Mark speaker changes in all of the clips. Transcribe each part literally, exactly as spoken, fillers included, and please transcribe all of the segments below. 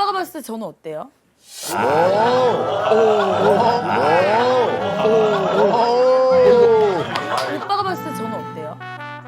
Speaker 1: 오빠가 봤을 때 저는 어때요? 오빠가 봤을 때 저는 어때요?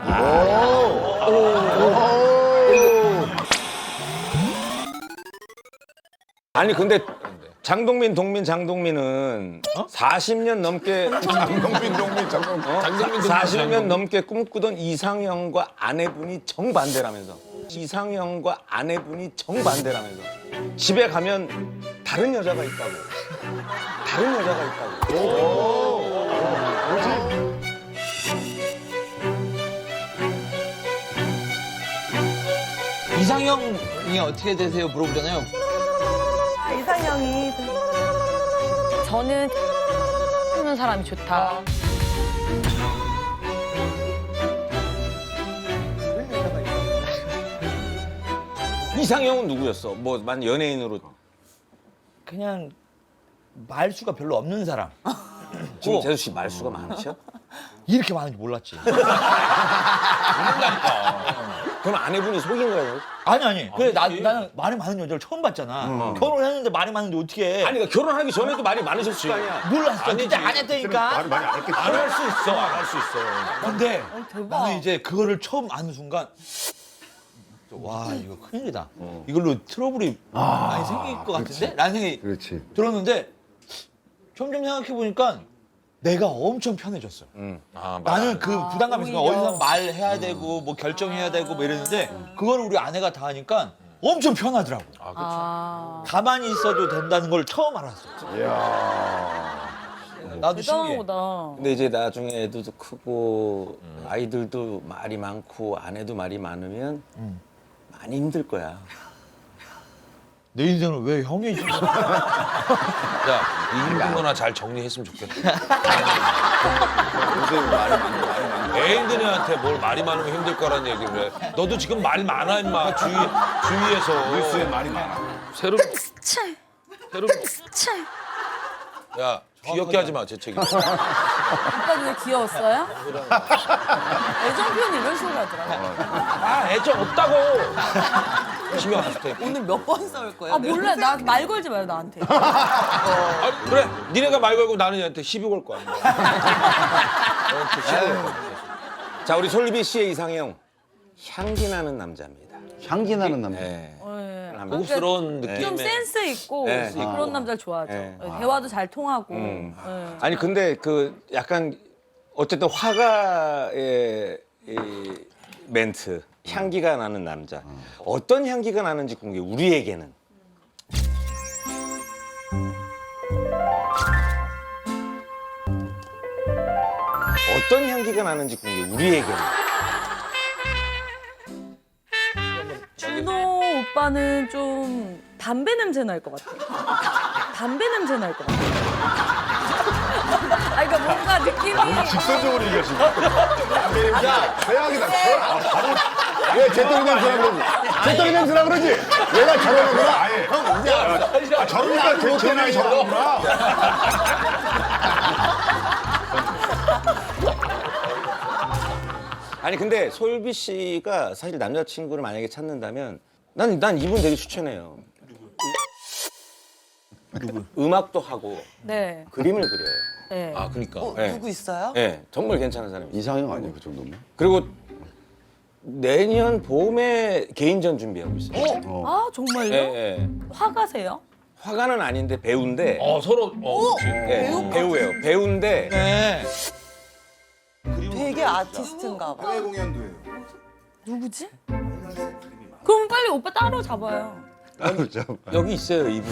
Speaker 2: 아니 근데 장동민, 동민, 장동민은 사십 년 넘게
Speaker 3: 장동민, 동민, 장동민.
Speaker 2: 어?
Speaker 4: 장동민,
Speaker 2: 사십 년 넘게 꿈꾸던 이상형과 아내분이 정반대라면서. 이상형과 아내분이 정반대라면서. 집에 가면 다른 여자가 있다고. 다른 여자가 있다고.
Speaker 4: 이상형이 어떻게 되세요? 물어보잖아요.
Speaker 1: 이상형이 저는 하는 사람이 좋다.
Speaker 2: 이상형은 누구였어? 뭐 만 연예인으로.
Speaker 4: 그냥 말수가 별로 없는 사람.
Speaker 2: 지금 재수 씨 말수가 많으셔?
Speaker 4: 이렇게 많은 줄 몰랐지.
Speaker 2: 그럼 아내분이 속인 거예요?
Speaker 4: 아니 아니. 그래 나 나는 말이 많은 여자를 처음 봤잖아. 결혼했는데 말이 많은데 어떻게?
Speaker 2: 아니 그러니까 결혼하기 전에도 말이 많으셨을 거 아니야?
Speaker 4: 몰랐어. 진짜 안 했다니까.
Speaker 3: 말을 많이 안 했겠지.
Speaker 4: 안 할 수 있어. 안 할 수 있어. 근데
Speaker 1: 대박.
Speaker 4: 나는 이제 그거를 처음 아는 순간 와 이거 큰일이다. 이걸로 트러블이 많이 생길 것 같은데? 라는 생각이
Speaker 3: 그렇지.
Speaker 4: 들었는데 점점 생각해 보니까 내가 엄청 편해졌어.
Speaker 2: 응.
Speaker 4: 아, 나는 그 부담감이 있으니까
Speaker 1: 오히려.
Speaker 4: 어디서 말해야 되고 뭐 결정해야 되고 뭐 이랬는데 그걸 우리 아내가 다 하니까 엄청 편하더라고.
Speaker 1: 아,
Speaker 4: 가만히 있어도 된다는 걸 처음 알았어.
Speaker 3: 이야.
Speaker 4: 나도
Speaker 1: 대단한
Speaker 4: 신기해.
Speaker 1: 거다.
Speaker 2: 근데 이제 나중에 애들도 크고 아이들도 말이 많고 아내도 말이 많으면 많이 힘들 거야.
Speaker 4: 내 인생을 왜 형이 지금
Speaker 5: 야, 이 힘든 거나 잘 정리했으면 좋겠다.
Speaker 3: 요새 말이 많이 말이 많이.
Speaker 5: 애인들한테 뭘 말이 많으면 힘들 거라는 얘기를 해. 너도 지금 말이 많아, 임마. 주위, 주위에서.
Speaker 3: 뉴스에 말이 많아.
Speaker 5: 새로,
Speaker 1: 차,
Speaker 5: 새로.
Speaker 1: 차.
Speaker 5: 야, 귀엽게 하지 마, 재채기.
Speaker 1: 오빠도 왜 귀여웠어요? 애정 표현 이런 식으로 하더라고.
Speaker 5: 아, 애정 없다고. 신경 안 쓸 테니까.
Speaker 6: 오늘 몇 번 싸울 거예요?
Speaker 1: 아 몰라, 나 말 걸지 마요 나한테.
Speaker 5: 아, 그래. 니네가 말 걸고 나는 얘한테 시비 걸 거야. 너한테 시비 걸 거야.
Speaker 2: 자 우리 솔비 씨의 이상형 향기 나는 남자입니다.
Speaker 3: 향기 나는 남자.
Speaker 2: 네.
Speaker 1: 네.
Speaker 5: 고급스러운 느낌의.
Speaker 1: 좀 센스 있고
Speaker 2: 네.
Speaker 1: 그런 남자를 좋아하죠.
Speaker 2: 네.
Speaker 1: 네, 대화도 잘 통하고.
Speaker 2: 음.
Speaker 1: 네.
Speaker 2: 아니 근데 그 약간 어쨌든 화가의 이 멘트 향기가 나는 남자 어떤 향기가 나는지 궁금해 우리에게는. 어떤 향기가 나는지 궁금해 우리에게는.
Speaker 1: 준호 오빠는 좀 담배 냄새 날 것 같아. 담배 냄새 날 것 같아. 아, 그러니까 뭔가 느낌이.
Speaker 3: 직선적으로 얘기하시네. 야, 최악이다. 최악. 아, 바로. 왜 제떨이 냄새라 그러지? 제떨이 냄새라 그러지? 얘가 저러는구나. 아예. 형, 이제 알았어. 아, 저러니까 개체나이 저러는구나.
Speaker 2: 아니 근데 솔비 씨가 사실 남자친구를 만약에 찾는다면 난, 난 이분 되게 추천해요. 누구? 음악도 하고
Speaker 1: 네.
Speaker 2: 그림을 그려요.
Speaker 1: 네.
Speaker 5: 아, 그니까.
Speaker 6: 어,
Speaker 2: 네.
Speaker 6: 누구 있어요?
Speaker 2: 네, 정말 괜찮은 사람이에요.
Speaker 3: 이상형 아니야, 그 정도면?
Speaker 2: 그리고 내년 봄에 개인전 준비하고 있어요.
Speaker 1: 아 정말요?
Speaker 2: 예, 예.
Speaker 1: 화가세요?
Speaker 2: 화가는 아닌데 배우인데.
Speaker 5: 어, 서로. 어, 그렇지.
Speaker 2: 예, 배우예요. 배우인데
Speaker 4: 네.
Speaker 6: 되게 아티스트인가 봐.
Speaker 3: 해외 공연도 해요.
Speaker 1: 누구지? 그럼 빨리 오빠 따로 잡아요.
Speaker 2: 여기 있어요 이분.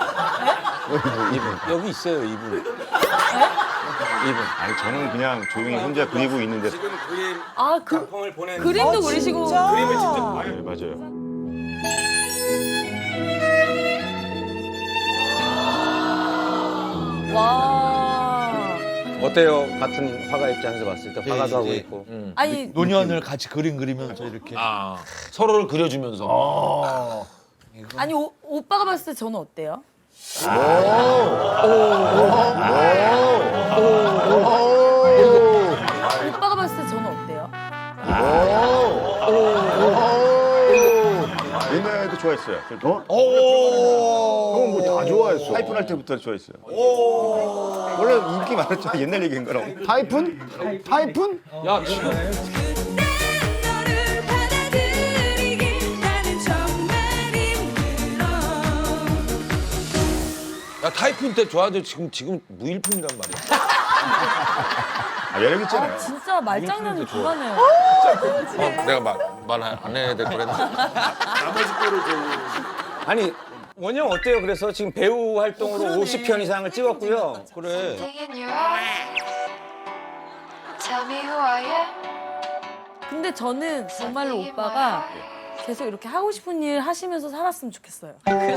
Speaker 2: 이분 여기 있어요 이분. 이분.
Speaker 3: 아니, 저는 그냥 조용히 혼자 그리고 있는데.
Speaker 2: 지금 그림
Speaker 1: 아 그
Speaker 2: 작품을 보낸.
Speaker 1: 그림도
Speaker 6: 아,
Speaker 1: 그리시고.
Speaker 6: 진짜?
Speaker 2: 그림을 직접.
Speaker 3: 네, 맞아요.
Speaker 1: 와.
Speaker 2: 어때요? 같은 화가 입장에서 봤을 때 화가도 하고
Speaker 4: 이제,
Speaker 2: 있고.
Speaker 5: 음.
Speaker 1: 아니
Speaker 4: 노년을 같이 그림 그리면서 이렇게.
Speaker 5: 아, 서로를 그려주면서.
Speaker 1: 아니 오, 오빠가 봤을 때 저는 어때요? 오빠가 봤을 때 저는 어때요?
Speaker 3: 옛날에도 좋아. 좋아했어요. 어? 형은 뭐 다 좋아했어. 타이푼 할 때부터 좋아했어요. 원래 인기 많았죠. 옛날 얘기인 거라고. 타이푼? 타이푼?
Speaker 5: 야 지금
Speaker 7: 너를 받아들이기 나는 정말 힘들어.
Speaker 5: 야 타이푼 때 좋아하는데 지금 지금 무일푼이란 말이야.
Speaker 3: 아, 매력 있잖아요.
Speaker 1: 진짜 말장난이 불가네요.
Speaker 5: 어, 내가 말말안 해야 될 거랬나?
Speaker 2: 아니 원영 어때요? 그래서 지금 배우 활동으로 오십 편 이상을 찍었고요.
Speaker 5: 그래.
Speaker 7: In your eyes, tell me who I am.
Speaker 1: 근데 저는 정말로 오빠가 계속 이렇게 하고 싶은 일 하시면서 살았으면 좋겠어요.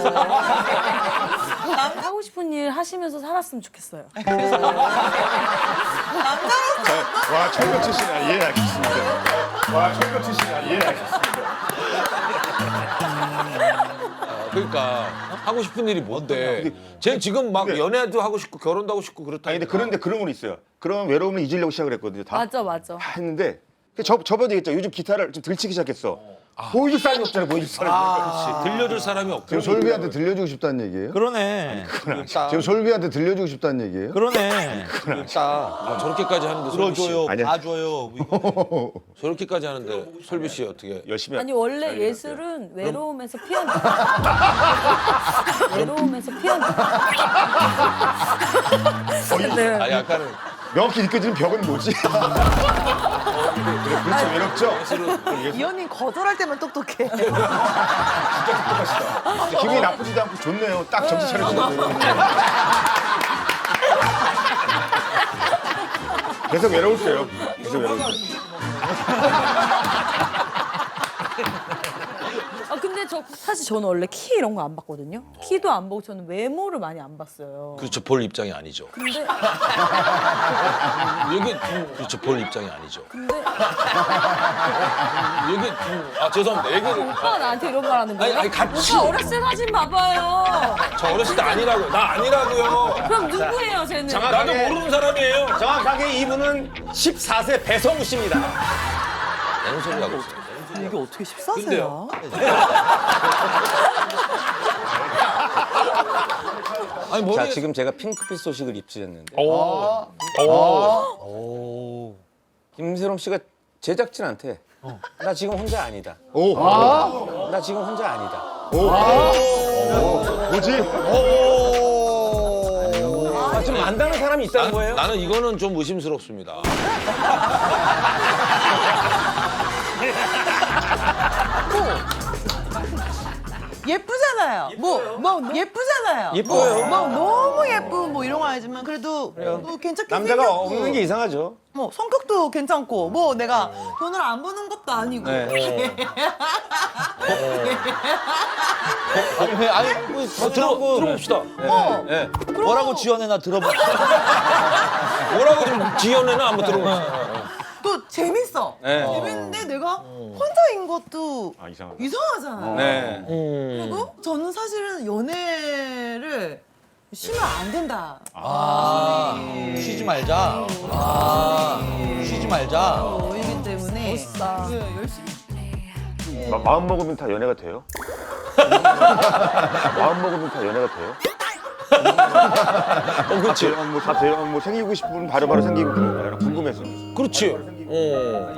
Speaker 1: 하고 싶은 일 하시면서 살았으면 좋겠어요.
Speaker 3: 와, 철벽 출신이야. 예, 알겠습니다. 와, 철벽 출신이야. 예, 알겠습니다.
Speaker 5: 그러니까 하고 싶은 일이 뭔데? 쟤 지금 막
Speaker 3: 근데-
Speaker 5: 연애도 하고 싶고 결혼도 하고 싶고 그렇다.
Speaker 3: 아니, 근데 그런데 그런 건 있어요. 그런 외로움을 잊으려고 시작을 했거든요. 다,
Speaker 1: 맞아 맞아.
Speaker 3: 다 했는데 저, 저번에 얘기했죠. 요즘 기타를 좀 들치기 시작했어. 보여줄 사람이 없잖아요. 보여줄 사람이.
Speaker 5: 그렇지. 들려줄 사람이 없고.
Speaker 3: 지금 솔비한테 들려주고 싶다는 얘기예요?
Speaker 4: 그러네.
Speaker 3: 지금 솔비한테 들려주고 싶다는 얘기예요?
Speaker 4: 그러네.
Speaker 5: 아, 저렇게까지 하는데 솔비 씨.
Speaker 4: 들어줘요,
Speaker 3: 아니야.
Speaker 4: 봐줘요. 이거.
Speaker 5: 저렇게까지 하는데 솔비 씨 어떻게?
Speaker 3: 열심히
Speaker 1: 아니 원래 예술은 외로움에서 피어나. 외로움에서 피어나. 네.
Speaker 5: 아 약간은
Speaker 3: 명확히 느껴지는 벽은 뭐지? 그렇죠, 외롭죠?
Speaker 6: 이 언니 거절할 때만 똑똑해.
Speaker 3: 기분이 나쁘지도 않고 좋네요. 딱 정신 차려주고. 계속 외로울게요. 계속 외로울게요.
Speaker 1: 아 근데 저 사실 저는 원래 키 이런 거 안 봤거든요. 키도 안 보고 저는 외모를 많이 안 봤어요.
Speaker 5: 그렇죠 볼 입장이 아니죠.
Speaker 1: 근데
Speaker 5: 이게 그렇죠 볼 입장이 아니죠.
Speaker 1: 근데
Speaker 5: 이게 아 죄송합니다. 얘기를
Speaker 1: 오빠가 나한테 이런 말 하는 거예요?
Speaker 5: 아니, 아니, 같이.
Speaker 1: 오빠 어렸을 때 사진 봐봐요.
Speaker 5: 저 어렸을 때 아니라고요. 나 아니라고요.
Speaker 1: 그럼 누구예요, 쟤는?
Speaker 5: 나도 모르는 사람이에요.
Speaker 2: 정확하게 이분은 십사 세 배성우 씨입니다.
Speaker 5: 무슨 소리 하고 있어요.
Speaker 6: 이게 어떻게 십사 세야?
Speaker 5: 근데요? 아니 머리.
Speaker 2: 자 지금 제가 핑크빛 소식을 입수했는데
Speaker 5: 오.
Speaker 4: 오.
Speaker 2: 김세롬 씨가 제작진한테 나 지금 혼자 아니다.
Speaker 3: 오,
Speaker 2: 나 지금 혼자 아니다.
Speaker 3: 뭐지?
Speaker 2: 아, 좀 안다는 사람이 있다는
Speaker 5: 나,
Speaker 2: 거예요?
Speaker 5: 나는 이거는 좀 의심스럽습니다.
Speaker 6: 예쁘잖아요. 뭐, 뭐 예쁘잖아요.
Speaker 2: 예뻐요.
Speaker 6: 뭐, 뭐 너무 예쁜 뭐 이런 건 아니지만 그래도 뭐 괜찮게
Speaker 2: 남자가
Speaker 6: 생겼고
Speaker 2: 없는 게 이상하죠.
Speaker 6: 뭐 성격도 괜찮고 뭐 내가 돈을 안 버는 것도 아니고
Speaker 2: 네.
Speaker 4: 아니, 왜, 아니, 뭐,
Speaker 5: 들어 들어봅시다.
Speaker 6: 어.
Speaker 2: 네.
Speaker 4: 뭐라고 지어내나 들어봐.
Speaker 5: 뭐라고 좀 지어내나 한번 들어봅시다.
Speaker 6: 또 재밌어.
Speaker 2: 네.
Speaker 6: 재밌는데 내가 혼자인 것도
Speaker 3: 아, 이상하다.
Speaker 6: 이상하잖아요.
Speaker 2: 네.
Speaker 6: 그리고 저는 사실은 연애를 쉬면 안 된다.
Speaker 4: 아, 쉬지 말자. 아, 쉬지 말자.
Speaker 6: 이기 때문에
Speaker 1: 멋있다.
Speaker 6: 네, 열심히.
Speaker 3: 마, 마음 먹으면 다 연애가 돼요? 마음 먹으면 다 연애가 돼요?
Speaker 5: 어, 그렇지.
Speaker 3: 다, 뭐, 다 돼요? 뭐 생기고 싶으면 바로바로 생기고 그런 거예요. 궁금해서.
Speaker 5: 그렇지. 어.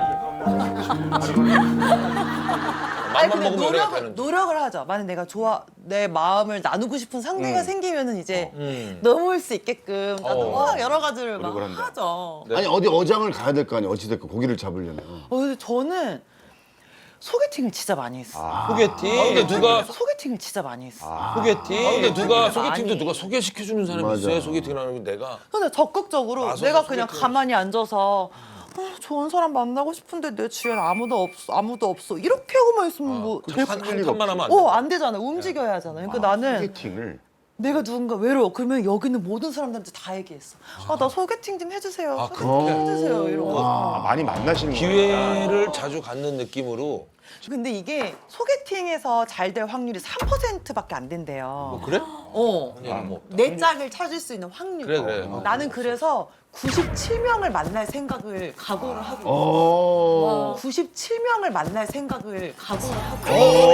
Speaker 6: 아니
Speaker 5: 맘만
Speaker 6: 근데
Speaker 5: 먹으면 연애가
Speaker 6: 노력을
Speaker 5: 되는.
Speaker 6: 노력을 하죠. 만약 내가 좋아 내 마음을 나누고 싶은 상대가 생기면은 이제
Speaker 5: 음.
Speaker 6: 넘을 수 있게끔 나도
Speaker 5: 어.
Speaker 6: 막 여러 가지를 막
Speaker 3: 노력을 한다.
Speaker 6: 하죠.
Speaker 3: 아니 어디 어장을 가야 될 거 아니에요. 어찌됐건 고기를 잡으려면.
Speaker 6: 어, 근데 저는 소개팅을 진짜 많이 했어.
Speaker 4: 소개팅.
Speaker 5: 아, 근데 누가
Speaker 6: 소개팅을 진짜 많이 했어.
Speaker 4: 소개팅.
Speaker 5: 아, 근데 누가 소개팅도
Speaker 6: 많이.
Speaker 5: 누가 소개시켜주는 사람이
Speaker 3: 맞아.
Speaker 5: 있어요. 소개팅을 하는 건 내가.
Speaker 6: 근데 적극적으로
Speaker 5: 나서서
Speaker 6: 내가 그냥
Speaker 5: 소개팅을
Speaker 6: 가만히 앉아서 어, 좋은 사람 만나고 싶은데 내 주위엔 아무도 없어 아무도 없어 이렇게 하고만 있으면 뭐
Speaker 5: 한, 한 칸만 하면 안 돼.
Speaker 6: 어, 안 되잖아. 움직여야 하잖아. 그러니까 나는
Speaker 3: 소개팅을
Speaker 6: 내가 누군가 외로워. 그러면 여기 있는 모든 사람들한테 다 얘기했어. 아, 나 소개팅 좀 해주세요.
Speaker 5: 아,
Speaker 6: 소개팅 좀 해주세요. 이러고.
Speaker 3: 아, 많이 만나시는 거예요.
Speaker 5: 기회를 자주 갖는 느낌으로.
Speaker 6: 근데 이게 소개팅에서 잘 될 확률이 삼 퍼센트밖에 안 된대요.
Speaker 5: 그래?
Speaker 6: 어.
Speaker 5: 아, 뭐.
Speaker 6: 내 짝을 찾을 수 있는 확률.
Speaker 5: 그래, 그래.
Speaker 6: 어, 나는 그래서 구십칠 명을 만날 생각을 각오를 하고 있어.
Speaker 3: 어.
Speaker 6: 구십칠 명을 만날 생각을 각오를 하고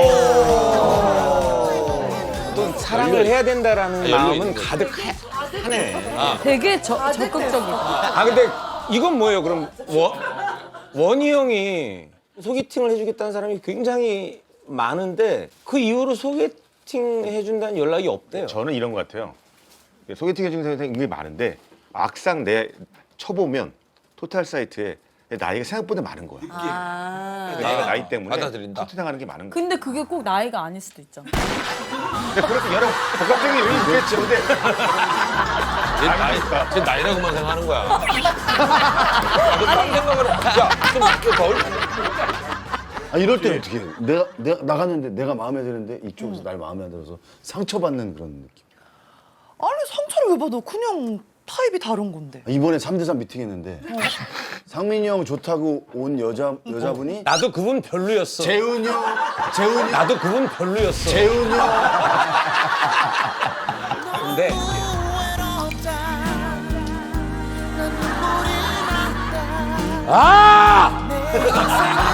Speaker 6: 있어.
Speaker 2: 또 사랑을 해야 된다라는
Speaker 5: 아, 열려
Speaker 2: 마음은
Speaker 5: 있는 거지.
Speaker 2: 가득하네.
Speaker 1: 되게 저, 적극적이다.
Speaker 2: 아 근데 이건 뭐예요? 그럼 원, 원희 형이 소개팅을 해주겠다는 사람이 굉장히 많은데 그 이후로 소개팅 해준다는 연락이 없대요.
Speaker 3: 저는 이런 것 같아요. 소개팅 해주는 사람이 굉장히 많은데 막상 내 쳐보면 토탈 사이트에 내 나이가 생각보다 많은 거야.
Speaker 1: 아.
Speaker 3: 내가 나이 때문에
Speaker 5: 받아들인다.
Speaker 3: 소개팅하는 게 많은 거야.
Speaker 1: 근데 그게 꼭 나이가 아닐 수도 있잖아.
Speaker 3: 근데 그래서 여러 복합적인 요인이 있겠지. 근데
Speaker 5: 제 나이, 제 나이라고만 생각하는 거야. 나도 딴 생각을 해. 야, 좀, 좀 덜.
Speaker 3: 아, 이럴 때는 어떻게 해? 내가, 내가 나갔는데 내가 마음에 드는데 이쪽에서 날 마음에 안 들어서 상처받는 그런 느낌.
Speaker 6: 아니 상처를 왜 받아? 그냥 타입이 다른 건데.
Speaker 3: 이번에 삼 대 삼 미팅 했는데 상민이 형 좋다고 온 여자, 여자분이
Speaker 2: 나도 그분 별로였어.
Speaker 3: 재훈이 형, 재훈이 형,
Speaker 2: 나도 그분 별로였어.
Speaker 3: 재훈이 형.
Speaker 2: 근데 아!